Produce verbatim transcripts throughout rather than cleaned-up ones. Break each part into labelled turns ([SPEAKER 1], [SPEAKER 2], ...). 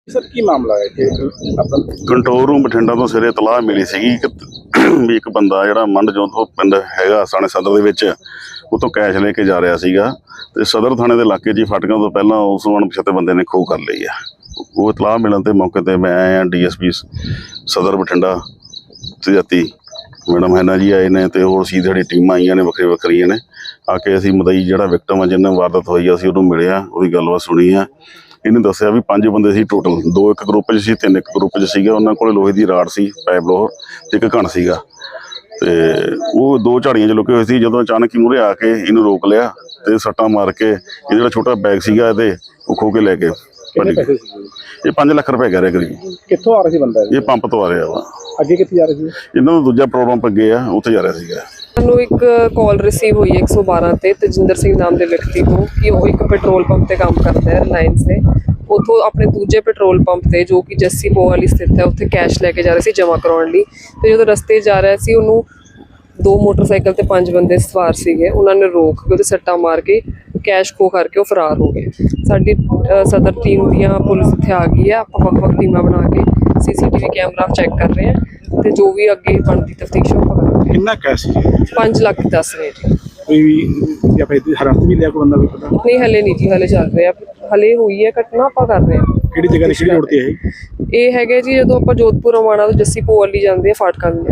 [SPEAKER 1] Sir की मामला है कि अपना
[SPEAKER 2] कंट्रोल रूम बठिंडा तो सिरे इतलाह मिली सी कि भी एक बंदा जिहड़ा मंडजोत तो पिंड हैगा साणे सदर दे विच उतों कैश लेके जा रहा सीगा ते सदर थाणे दे इलाके च फाटकां तो पहलां उस अणपछाते बंदे ने खो कर लई है। वो इतलाह मिलण ते मौके ते मैं आया डी एस पी सदर बठिंडा जाती मैडम हैना जी आए ने ते होर सी साडी टीमां आईयां ने वखरी वखरियां ने आके असीं मदई जिहड़ा विक्टम है जिन्हें वारदात होई है असीं उहनूं मिलिया उहदी गलबात सुनी है। इन्हें दस्सिया भी पंज बंदे सी टोटल, दो एक ग्रुप च सी तीन एक ग्रुप च सीगे। उन्हां कोल लोहे दी राड़ सी, पाइप लोह ते एक घण सीगा ते वो दो झाड़ियां च लुके होए सी। जदों अचानक ही मूहरे आके इहनूं रोक लिया ते सट्टां मार के इह जिहड़ा छोटा बैग सीगा इहदे वो खो के लैके
[SPEAKER 1] कितने पैसे सी?
[SPEAKER 2] ये पांच लख रुपए कह रहे करीब।
[SPEAKER 1] कित्थों आ रहा सी बंदा?
[SPEAKER 2] ये पंप तो आ रहा वा,
[SPEAKER 1] ਅੱਗੇ ਕਿੱਥੇ ਜਾ ਰਹੇ ਸੀ?
[SPEAKER 2] इन्हां दा दूजा प्रॉब्लम पग्गे आ उत्थे जा रहा सीगा।
[SPEAKER 3] ਸਾਨੂੰ ਇੱਕ ਕਾਲ ਰਿਸੀਵ ਹੋਈ ਹੈ ਇੱਕ ਸੌ ਬਾਰਾਂ ਤੇ ਤਜਿੰਦਰ ਸਿੰਘ ਨਾਮ ਦੇ ਵਿਅਕਤੀ ਤੋਂ ਕਿ ਉਹ ਇੱਕ ਪੈਟਰੋਲ ਪੰਪ ਤੇ ਕੰਮ ਕਰਦਾ ਹੈ ਰਿਲਾਇੰਸ ਦੇ। ਉੱਥੋਂ ਆਪਣੇ ਦੂਜੇ ਪੈਟਰੋਲ ਪੰਪ ਤੇ ਜੋ ਕਿ ਜੱਸੀ ਪੋ ਵਾਲੀ ਸਥਿਤ ਹੈ ਉੱਥੇ ਕੈਸ਼ ਲੈ ਕੇ ਜਾ ਰਹੇ ਸੀ ਜਮ੍ਹਾਂ ਕਰਾਉਣ ਲਈ। ਤੇ ਜਦੋਂ ਰਸਤੇ ਜਾ ਰਿਹਾ ਸੀ ਉਹਨੂੰ ਦੋ ਮੋਟਰਸਾਈਕਲ ਤੇ ਪੰਜ ਬੰਦੇ ਸਵਾਰ ਸੀਗੇ, ਉਹਨਾਂ ਨੇ ਰੋਕ ਕੇ ਉਹਦੇ ਸੱਟਾਂ ਮਾਰ ਕੇ ਕੈਸ਼ ਖੋ ਕਰਕੇ ਉਹ ਫਰਾਰ ਹੋ ਗਏ। ਸਾਡੀ ਸਦਰ ਟੀਮ ਦੀਆਂ ਪੁਲਿਸ ਇੱਥੇ ਆ ਗਈ ਹੈ। ਆਪਾਂ ਵੱਖ ਵੱਖ ਟੀਮਾਂ ਬਣਾ ਕੇ C C T V camera check ਕਰ ਰਹੇ ਹਾਂ ਤੇ ਜੋ ਵੀ ਅੱਗੇ ਬਣਦੀ ਤਫਤੀਸ਼ ਉਹ ਕਰਾਂਗੇ।
[SPEAKER 1] ਕਿੰਨਾ ਕੈਸ਼ ਸੀ?
[SPEAKER 3] ਪੰਜ ਲੱਖ ਦੱਸ ਰਹੇ ਜੀ।
[SPEAKER 1] ਕੋਈ ਵੀ ਜਾਂ ਫਿਰ ਹਰਾਸਤ ਵੀ ਲਿਆ ਕੋਈ ਬੰਦਾ, ਕੋਈ ਪਤਾ
[SPEAKER 3] ਨਹੀਂ ਹਲੇ ਨਹੀਂ ਜੀ, ਹਲੇ ਚੱਲ ਰਿਹਾ, ਹਲੇ ਹੋਈ ਹੈ ਘਟਨਾ, ਆਪਾਂ ਕਰ ਰਹੇ ਹਾਂ।
[SPEAKER 1] ਕਿਹੜੀ ਜਗ੍ਹਾ ਤੇ ਕਿਹੜੀ ਰੋਡ ਤੇ ਹੈ
[SPEAKER 3] ਇਹ ਹੈਗੇ ਜੀ ਜਦੋਂ ਆਪਾਂ ਜੋਧਪੁਰ ਰਵਾਣਾ ਤੋਂ ਜੱਸੀ ਪੋਵਾਲੀ ਜਾਂਦੇ ਆ ਫਾਟਕਾਂ ਦੇ।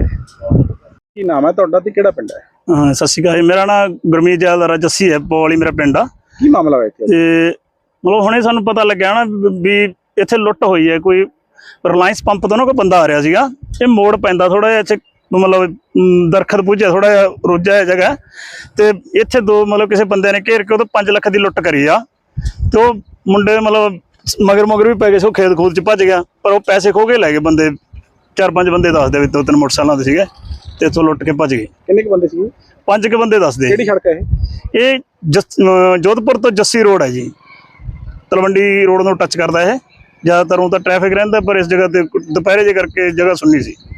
[SPEAKER 1] ਕੀ ਨਾਮ ਹੈ ਤੁਹਾਡਾ ਤੇ ਕਿਹੜਾ ਪਿੰਡ ਹੈ?
[SPEAKER 4] ਹਾਂ ਸਤਿ ਸ਼੍ਰੀ ਅਕਾਲ, ਮੇਰਾ ਨਾਮ ਗੁਰਮੀਤ ਜੈਲਦਾਰਾ ਜੱਸੀ ਹੈ, ਪੋਵਾਲੀ ਮੇਰਾ ਪਿੰਡ ਆ।
[SPEAKER 1] ਕੀ ਮਾਮਲਾ ਹੋਇਆ ਇੱਥੇ?
[SPEAKER 4] ਤੇ ਮਤਲਬ ਹੁਣੇ ਸਾਨੂੰ ਪਤਾ ਲੱਗਿਆ ਨਾ ਵੀ ਇੱਥੇ ਲੁੱਟ ਹੋਈ ਹੈ। ਕੋਈ ਰਿਲਾਇੰਸ ਪੰਪ ਤੋਂ ਨਾ ਕੋਈ ਬੰਦਾ ਆ ਰਿਹਾ ਸੀਗਾ। ਇਹ ਮੋੜ ਪੈਂਦਾ ਥੋੜਾ ਜਿਹਾ ਇੱਥੇ, ਮਤਲਬ ਦਰਖਤ ਪੁੱਜਿਆ ਥੋੜਾ ਜਿਹਾ ਰੋਜਾ ਹੈ ਜਗ੍ਹਾ ਤੇ ਇੱਥੇ ਦੋ ਮਤਲਬ ਕਿਸੇ ਬੰਦੇ ਨੇ ਘੇਰ ਕੇ ਉਹ ਤੋਂ ਪੰਜ ਲੱਖ ਦੀ ਲੁੱਟ ਕਰੀ ਆ। ਤੇ ਉਹ ਮੁੰਡੇ ਮਤਲਬ ਮਗਰ ਮਗਰ ਵੀ ਪੈ ਗਏ ਸੀ, ਉਹ ਖੇਤ ਖੂਤ ਚ ਭੱਜ ਗਿਆ ਪਰ ਉਹ ਪੈਸੇ ਖੋ ਕੇ ਲੈ ਗਏ ਬੰਦੇ। ਚਾਰ ਪੰਜ ਬੰਦੇ ਦੱਸਦੇ ਵੀ ਦੋ ਤਿੰਨ ਮੋਟਰਸਾਈਕਲਾਂ ਦੇ ਸੀਗੇ ਤੇ ਇੱਥੋਂ ਲੁੱਟ ਕੇ ਭੱਜ ਗਏ।
[SPEAKER 1] ਕਿੰਨੇ ਕੁ ਬੰਦੇ ਸੀ?
[SPEAKER 4] ਪੰਜ ਕੁ ਬੰਦੇ ਦੱਸਦੇ।
[SPEAKER 1] ਕਿਹੜੀ ਸੜਕ ਹੈ ਇਹ?
[SPEAKER 4] ਇਹ ਜਸ ਜੋਧਪੁਰ ਤੋਂ ਜੱਸੀ ਰੋਡ ਹੈ ਜੀ, ਤਲਵੰਡੀ ਰੋਡ ਨੂੰ ਟੱਚ ਕਰਦਾ ਇਹ। ਜ਼ਿਆਦਾਤਰ ਉਹ ਤਾਂ ਟ੍ਰੈਫਿਕ ਰਹਿੰਦਾ ਪਰ ਇਸ ਜਗ੍ਹਾ ਤੇ ਦੁਪਹਿਰੇ ਜੇ ਕਰਕੇ ਜਗ੍ਹਾ ਸੁੰਨੀ ਸੀ।